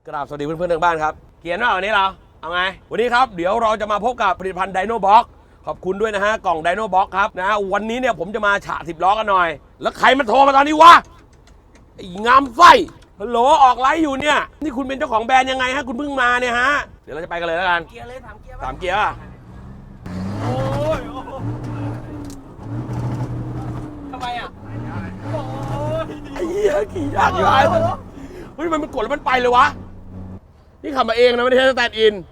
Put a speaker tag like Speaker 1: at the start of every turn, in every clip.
Speaker 1: กราบสวัสดีเพื่อนๆทางบ้านครับเกียร์ว่าวันนี้เราเอาไงวันนี้ครับเดี๋ยวเราจะมาพบกับผลิตภัณฑ์ไดโนบ็อกขอบคุณด้วยนะฮะกล่องไดโนบ็อกครับนะฮะวันนี้เนี่ยผมจะมาฉะ10 ล้อกันหน่อยแล้วใครมันโทรมาตอนนี้วะไอ้งามไส้ฮัลโหลออกไลฟ์อยู่เนี่ยนี่คุณเป็นเจ้าของแบรนด์ยังไงฮะคุณเพิ่งมาเนี่ยฮะเดี๋ยวเราจะไปกันเลยแล้วกัน
Speaker 2: เกียร์เลย3 เกียร์
Speaker 1: 3 เกียร์โอ้ย
Speaker 2: ทำไมอ่ะ
Speaker 1: ไอ้เหี้ยขี่ยากอยู่ไอ้เฮ้ยมันกดแล้วมันไปเลยวะนี่ขับมาเองนะไม่ได้ใช้สแตนด์อิน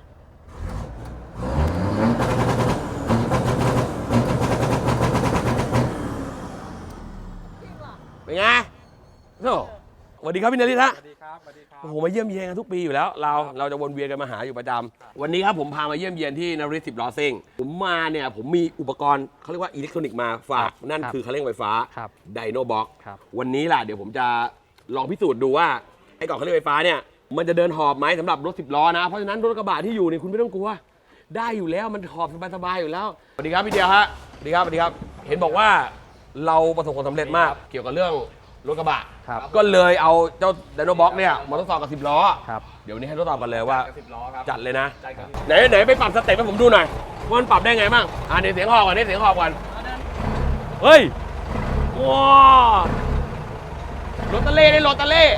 Speaker 1: เป็นไงโอ้สวัสดีครับพี่นฤทธิ์ฮะ
Speaker 3: สวัสดีครับสวัสดีครับ
Speaker 1: โอ้โหมาเยี่ยมเยียนกันทุกปีอยู่แล้วเราจะวนเวียนกันมาหาอยู่ประจำวันนี้ครับผมพามาเยี่ยมเยียนที่นฤทธิ์10 ล้อซิ่งผมมาเนี่ยผมมีอุปกรณ์เขาเรียกว่าอิเล็กทรอนิกส์มาฝากนั่นคือคันเร่งไฟฟ้าไดโนบ็อกวันนี้ล่ะเดี๋ยวผมจะลองพิสูจน์ดูว่าไอ้กล่องคันเร่งไฟฟ้าเนี่ยมันจะเดินหอบไหมสำหรับรถ10 ล้อนะเพราะฉะนั้นรถกระบะที่อยู่นี่คุณไม่ต้องกลัวได้อยู่แล้วมันหอบสบายๆอยู่แล้วสวัสดีครับพี่เดียวฮะสวัสดีครับเห็นบอกว่าเราประสบความสำเร็จมากเกี่ยวกับเรื่องรถกระบะก็เลยเอาเจ้าไดโนบ็อกเนี่ยมาทดสอบกับ10 ล้อเดี๋ยวนี้ให้ทดสอบกันเลยว่าจัดเลยนะไหนไปปรับสเต็ปให้ผมดูหน่อยว่ามันปรับได้ไงบ้างเดี๋ยวเสียงหอบก่อนเฮ้ยว้ารถตะเล่ได้รถตะเล่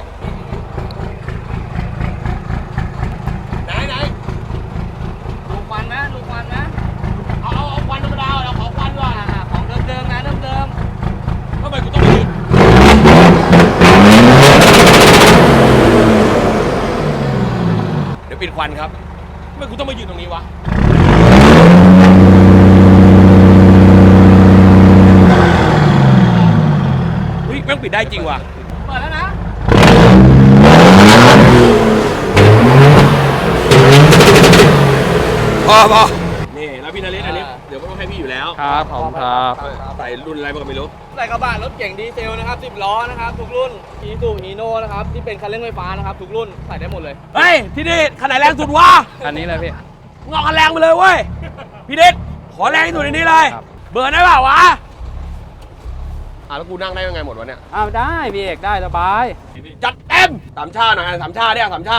Speaker 1: ไหน
Speaker 2: ลูกควันนะ
Speaker 1: เอาควันธรรมดาเอาขอควันก่อน
Speaker 2: ของเดิมนะเดิม
Speaker 1: ทำไมกูต้องยืนเดี๋ยวปิดควันครับทำไมกูต้องมายืนตรงนี้วะเฮ้ยแม่งปิดได้จริงว่ะ
Speaker 2: เปิดแล้วนะ
Speaker 1: พอนี่แล้วพี่นฤทธิ์อันนี้เดี๋ยวก็ต้องให้พี่อยู่แล้ว
Speaker 3: ครับผมครับ
Speaker 1: ใส่รุ่นอะไรก็ไม่รู้
Speaker 2: ใส่กระบะรถเก่งดีเซลนะครับ10 ล้อนะครับทุกรุ่นอีซูฮีโน่นะครับที่เป็นคันเร่งไฟฟ้านะครับทุกรุ่นใส่ได้หมดเลย
Speaker 1: เฮ้ยที่นี่ขนาดแรงสุดวะ
Speaker 3: อันนี้เลยพี่
Speaker 1: งอกคันแรงไปเลยเว้ยพี่ฤทธิ์ขอแรงที่สุดในนี้เลยเบิร์นได้เปล่าวะแล้วกูนั่งได้ยังไงหมดวะเนี่ย
Speaker 3: ได้พี่เอกได้สบาย
Speaker 1: จัดเต็มสามชาหน่อยสามชาเนี่ยสามชา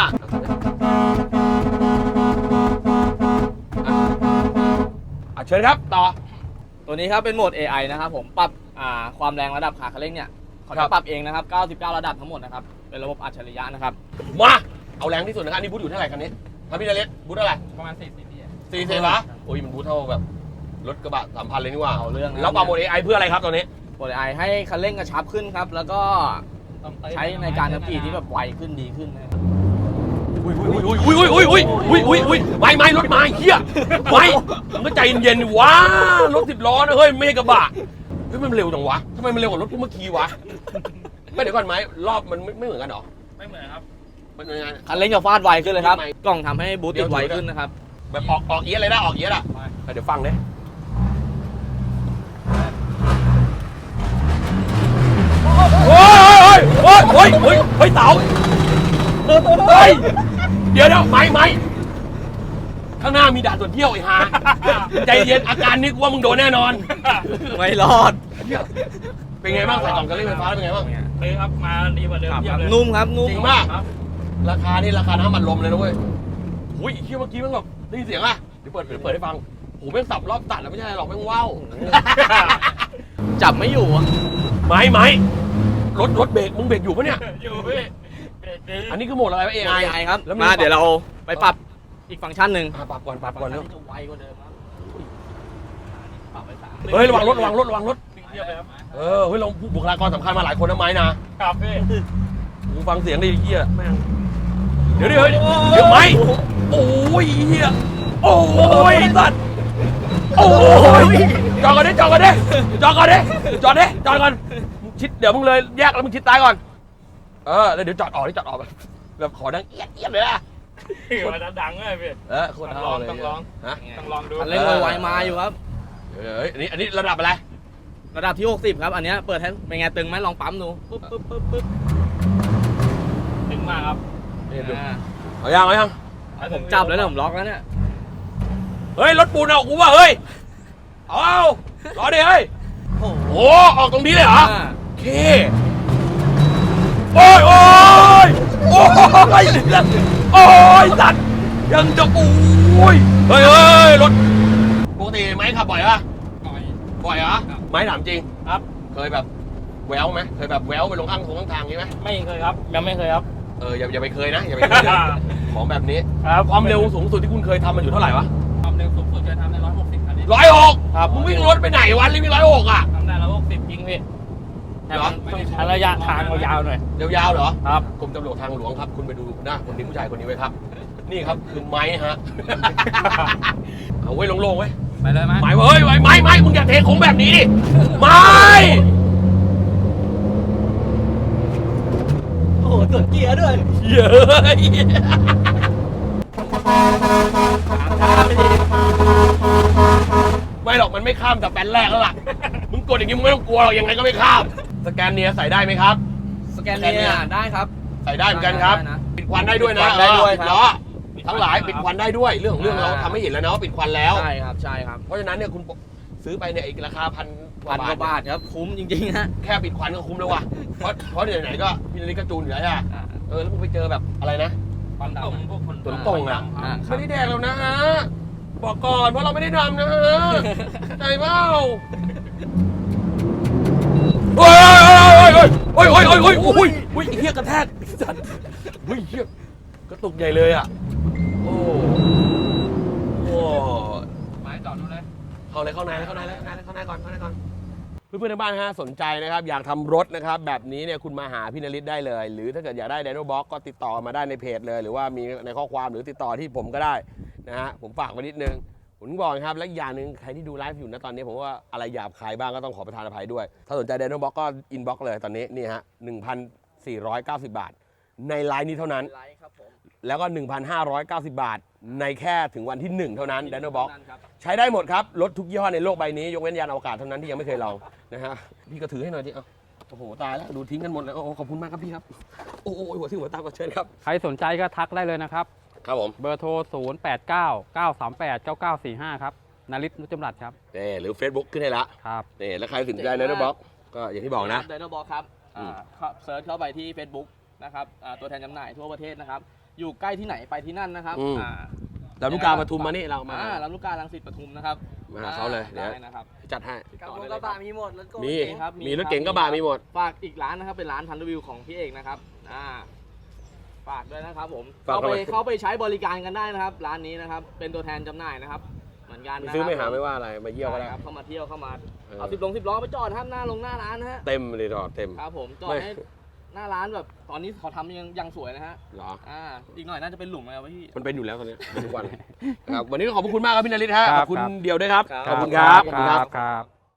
Speaker 1: เชิญครับต่อ
Speaker 2: ตัวนี้ครับเป็นโหมด AI นะครับผมปรับความแรงระดับขาคันเร่งเนี่ยเขาจะปรับเองนะครับ99 ระดับทั้งหมดนะครับเป็นระบบอัจฉริยะนะครับ
Speaker 1: มาเอาแรงที่สุดนะครับนี่บูทอยู่เท่าไหร่คันนี้ครับพี่นฤทธิ์บูทเท่าไหร่
Speaker 3: ประมาณ
Speaker 1: 40 วะโอ้ยมันบูทเท่าแบบรถกระบะ3,000เลยนี่ว่า
Speaker 2: เอาเรื่อง
Speaker 1: แล้วปรับโหมด AI เพื่ออะไรครับตอนนี้
Speaker 2: โหมด AI ให้คันเร่งกระชับขึ้นครับแล้วก็ใช้ในการขับขี่ที่แบบไวขึ้นดีขึ้นนะ
Speaker 1: อุ้ยไม่รถมาเฮียไม่มึงก็ใจเย็นๆว้ารถ10 ล้อนะเฮ้ยไม่ใช่กระบะเฮ้ยมันเร็วจังวะทำไมมันเร็วกว่ารถเมื่อกี้วะไม่เดี๋ยวก่อนไหมรอบมันไม่เหมือนกันหรอ
Speaker 3: ไม่เหมือนครับ
Speaker 1: มันยังไง
Speaker 2: คันเร่งจะฟาดไวขึ้นเลยครับกล่องทำให้บูทติดไวขึ้นนะครับ
Speaker 1: แบบออกเอียดเลยนะออกเอียดอ่ะเดี๋ยวฟังเลยโอ้ยเต๋าเฮ้ยเดี๋ยวไม่ข้างหน้ามีด่านตรวจเที่ยวไอ้ห่าใจเย็นอาการนี้กูว่ามึงโดนแน่นอน
Speaker 2: ไม่รอด
Speaker 1: เป็นไงบ้างใส่กล่องคันเร่งไฟฟ้าเป็นไงบ้าง
Speaker 3: ครับมาดีกว่าเดิม
Speaker 2: นุ่มครับนุ่ม
Speaker 1: จริงมากราคานี่ราคาน้ำมันลมเลยนะเว้ยหุ้ยเมื่อกี้มันแบบได้ยินเสียงอ่ะเดี๋ยวเปิดให้ฟังโหแม่งสับรอบตัดแล้วไม่ใช่หรอกแม่งว้าว
Speaker 2: จับไม่อยู่อ่ะ
Speaker 1: ไม่รถเบรกมึงเบรกอยู่ปะเนี่ย
Speaker 3: อยู่พี่
Speaker 1: อันนี้คือโหมดอะไรวะ
Speaker 2: AI ครับมาเดี๋ยวเราไปปรับอีกฟังก์ชันหนึ่ง
Speaker 1: ปรับก่อนเร็ว
Speaker 2: จะไวกว่าเดิมครับปรับไป3
Speaker 1: เฮ้ยระวังรถเฮ้ยเราบุคลากรสำคัญมาหลายคนนะไม้
Speaker 3: นะครับพี่
Speaker 1: กูฟังเสียงดิเฮียแม่งเดี๋ยวไม้โอ้ยเฮียโอ้ยสัตว์โอ้ยจอดก่อนชิดเดี๋ยวมึงเลยแยกแล้วมึงชิดซ้ายก่อนแล้วเดี๋ยวจอดออกแบบขอดังเอียดเลยอะ
Speaker 3: คนดังเลยพี่
Speaker 1: คน
Speaker 3: ต้องลองดู
Speaker 2: คันเร่งไวมาอยู่ครับ
Speaker 1: อันนี้ระดับอะไร
Speaker 2: ระดับที่60ครับอันนี้เปิดให้เป็นไงตึงไหมลองปั๊มดูปึ๊บ
Speaker 3: ตึงมากครับ
Speaker 1: เอายัง
Speaker 2: ผมจับแล้วเนี่ยผมล็อกแล้วเนี่ย
Speaker 1: เฮ้ยรถปูนเอากูว่าเฮ้ยเอารอดิเฮ้ยโอ้ออกตรงนี้เลยเหรอโอเคโอ้ยยโอ้ยโอ้ยสัตว์ยังจะโอ้ยเฮ้ยรถปกติไม้ขับบ่อยปะบ่อยเหรอไม้ถามจริง
Speaker 3: ครับ
Speaker 1: เคยแบบแววไหมเคยแบบแววไปลงข้างทางนี้ไหม
Speaker 3: ไม่เคยครับยังไม่เคยครับ
Speaker 1: อย่าไปเคยนะอย่าไปเคยนะของแบบนี้
Speaker 3: ครับ
Speaker 1: ความเร็วสูงสุดที่คุณเคยทำมันอยู่เท่าไหร่วะ
Speaker 3: ความเร็วสูงสุดจะทำได้160คันนี้
Speaker 1: 160
Speaker 3: ครับ
Speaker 1: มึงวิ่งรถไปไหนวันรีบวิ่ง160อ่ะ
Speaker 3: ทำได้160จริงพี่แต่มันต้องระยะทางยาวๆหน่อย
Speaker 1: ยาวๆเหรอ
Speaker 3: ครับ
Speaker 1: กรมตำรวจทางหลวงครับ คุณไปดูหน้าคนนี้ผู้ชายคนนี้ไว้ครับ นี่ครับคือไม้ฮะ เอาไว้โล่งๆไว้
Speaker 3: ไปเลยไหม
Speaker 1: ไม้เฮ้ยไม้มึงอย่าเทโค้งแบบนี้ดิไม้
Speaker 2: โอ้โหตรวจเกียร์ด้วย
Speaker 1: เย้ยไม่หรอกมันไม่ข้ามแต่แปนแรกแล้วล่ะ มึงกดอย่างนี้มึงไม่ต้องกลัวหรอกยังไงก็ไม่ข้าม สแกนเนียใส่ได้ไหมครับ
Speaker 2: สแกนเนี่ยได้ครับ
Speaker 1: ใส่ได้เหมือนกันครับ
Speaker 2: ได้นะ
Speaker 1: ปิดควันได้ด้วยนะ
Speaker 2: ปิดควันได้ด้วย
Speaker 1: ปิ
Speaker 2: ครับ
Speaker 1: ล้อทั้งหลายปิดควันได้ด้วย เรื่องของเรื่องเราทำให้เห็นแล้วนะว่าปิดควันแล้ว
Speaker 2: ใช่ครับใช่ครับ
Speaker 1: เพราะฉะนั้นเนี่ยคุณซื้อไปเนี่ยอีกราคาพันก
Speaker 2: พั
Speaker 1: ว่าน
Speaker 2: กว่าบาทครับคุ้มจริงๆฮะ
Speaker 1: แค่ปิดควันก็คุ้มแล้วว่ะ เพราะเดี๋ยวไหนก็พี่นาฬิกาจูนอยู่แล้วใช่ไหมแล้วมึงไปเจอแบบอะไรนะ
Speaker 3: ควันดำพวกคน
Speaker 1: ฝนตกอ่ะ
Speaker 2: อ่า
Speaker 1: ไม่ได้แดกแล้วนะฮะ บอกก่อนเพราะเราไม่ได้ทำนะฮะใจเปล่าโอ้ยโอ้ยไอ้เหี้ยกระแทกสัตว์เฮ้ยเหี้ยกระตุกใหญ่เลยอ่ะโอ้
Speaker 3: ไม้จอดดูเลย
Speaker 1: เข้าในก่อนเพื่อนๆในบ้านฮะสนใจนะครับอยากทำรถนะครับแบบนี้เนี่ยคุณมาหาพี่นฤทธิ์ได้เลย หรือถ้าเกิดอยากได้ไดโนบ็อกก็ติดต่อมาได้ในเพจเลย หรือว่ามีในข้อความหรือติดต่อที่ผมก็ได้นะฮะผมฝากไว้นิดนึงผมบอกครับและอีกอย่างหนึ่งใครที่ดูไลฟ์อยู่นะตอนนี้ผมว่าอะไรหยาบคายบ้างก็ต้องขอประทานอภัยด้วย ถ้าสนใจไดโนบ็อกก็อินบ็อกเลยตอนนี้นี่ฮะ 1,490 บาท ในไลน์นี้เท่านั้น
Speaker 2: ไลค์ครับผม
Speaker 1: แล้วก็ 1,590 บาท ในแค่ถึงวันที่ 1 เท่านั้นไดโนบ็อก
Speaker 2: ครับ
Speaker 1: ใช้ได้หมดครับ รถทุกยี่ห้อในโลกใบนี้ ยกเว้นยานอวกาศเท่านั้นที่ยังไม่เคยลองนะฮะ พี่ก็ถือให้หน่อยดิเอาโอ้โห ตายแล้ว ดูทิ้งกันหมดแล้วโอ้ขอบคุณมากครับพี่ครับ โอ้โหหัวที่หัวตามก็เชิญครับ
Speaker 4: ใครสนใจก็ทักได้เลยนะครับ
Speaker 1: ครับผม
Speaker 4: เบอร์โทร 0899389945 ครับนฤทธิ์นุชจำรัดครับ
Speaker 1: นี่หรือ Facebook ขึ้นให้ละ
Speaker 4: ครับ
Speaker 1: นี่แล้วใครสนใจไดโนบ็อกก็อย่างที่บอกนะ
Speaker 2: ไดโนบ็อกครับเซิร์ชเข้าไปที่ Facebook นะครับตัวแทนจำหน่ายทั่วประเทศนะครับ อยู่ใกล้ที่ไหนไปที่นั่นนะครับ
Speaker 1: อืม ลำลูกกาปทุมมานี่เรามา
Speaker 2: ลำลูกกาลังสิตปทุมนะครับ
Speaker 1: มาหาเขาเลยเดี๋ยว
Speaker 2: ได้นะครับ
Speaker 1: จัดให้
Speaker 2: กระบะมีหมดรถโก
Speaker 1: มี
Speaker 2: ครับ
Speaker 1: มีรถเก๋งกระบะมีหมด
Speaker 2: ฝากอีกร้านนะครับเป็นร้านทันรีวิวของพี่เอกนะครับฝากด้วยนะครับผม
Speaker 1: ฝาก
Speaker 2: เข้าไปใช้บริการกันได้นะครับ ร้านนี้นะครับเป็นตัวแทนจำหน่ายนะครับเหมือนกัน
Speaker 1: ไป
Speaker 2: นะ
Speaker 1: ซื้อไม่
Speaker 2: ค
Speaker 1: หา
Speaker 2: รับ
Speaker 1: ไม่ว่าอะไรมาเยี่ยวก็ได้
Speaker 2: ใช่ครับเข้ามาเที่ยวเข้ามา
Speaker 1: เออ
Speaker 2: เอา10 ล้อไปจอดครับหน้าร้านนะฮะ
Speaker 1: เต็มเลยดอกเต็ม
Speaker 2: ครับผมจอด
Speaker 1: ไม่
Speaker 2: ให้หน้าร้านแบบตอนนี้เขาทำยังสวยนะฮะ
Speaker 1: เหรอ
Speaker 2: อีกหน่อยน่าจะเป็นหลุมแล้วพี่
Speaker 1: มันเป็นอยู่แล้วตอนนี้ทุกวันครับวันนี้ก็ขอบคุณมากครับพี่นฤทธิ์ฮะ
Speaker 4: ค
Speaker 1: ข
Speaker 4: รับ
Speaker 1: อบคุณ
Speaker 4: ครับ
Speaker 1: เดียวด้วยครับ
Speaker 2: ครับ
Speaker 1: ขอบคุณครับขอบคุณครับ
Speaker 4: ครับ